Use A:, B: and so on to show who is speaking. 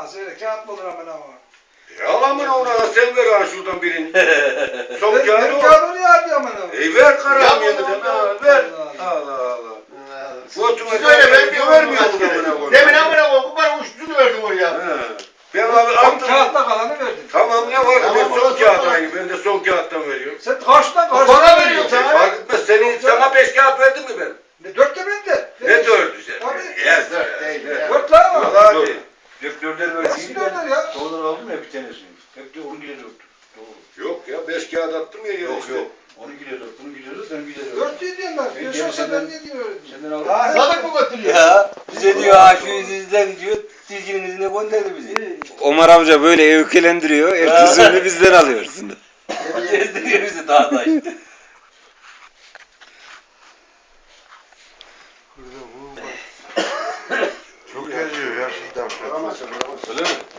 A: bana söyle. Kağıt mı olur hemen ama?
B: Yalamına ona sen ver ha şuradan birini. Son kağıdı
A: Benim
B: o.
A: kağıdı niye abi hemen ama?
B: Ver karam
C: Ya
B: yeniden
C: bunu-
B: ha ver.
A: Allah
B: Allah. Götüme
C: Siz öyle ben
B: de vermiyor mu amına koyayım?
C: Demin amına koyayım. Bu bana uçtuğunu verdim oraya.
B: He. Ben abi
A: Son
B: attım.
A: kağıtta kalanı verdin.
B: Tamam ne var?
C: Tamam,
B: Ben son
C: son
B: kağıt
C: kağıt.
B: aynı. Ben de son kağıttan veriyorum.
A: Sen karşıdan
C: Bana
A: karşıdan
C: veriyor
A: veriyorsun.
C: sana.
B: Fark etmez. Sana 5 kağıt verdim mi ben?
A: Ne dörtte bende.
B: Ne dördü sen?
A: Tabii.
B: Yes.
C: Dört değil ya.
A: Dört lan ama.
B: Valla hadi. Dörtler
A: Nasıl dörtler ya?
D: Sonradan aldım ya bir tanesini. Hep de 10 kilo dört. Doğru.
B: Yok ya 5 kağıt attım ya.
D: Yok
B: işte.
D: yok. 10 kilo dört. Bunu kilo dört. Ben kilo dört.
A: Dört diye diyorum ben.
D: Ben
A: Beş
D: gene
A: olsa ben
D: senden-
A: ne diyorum?
D: Senden aldım.
A: Daha
C: Sadık mı götürüyor?
E: Ya bize diyor ha şu yüzden diyor tilkinin izine gönderdi bizi. Omar amca böyle öykülendiriyor. Ertesi günü bizden alıyorsun. Gezdiriyor bizi dağda işte.
F: Çok geziyor ya.
C: Vuramazsın.
E: Öyle mi?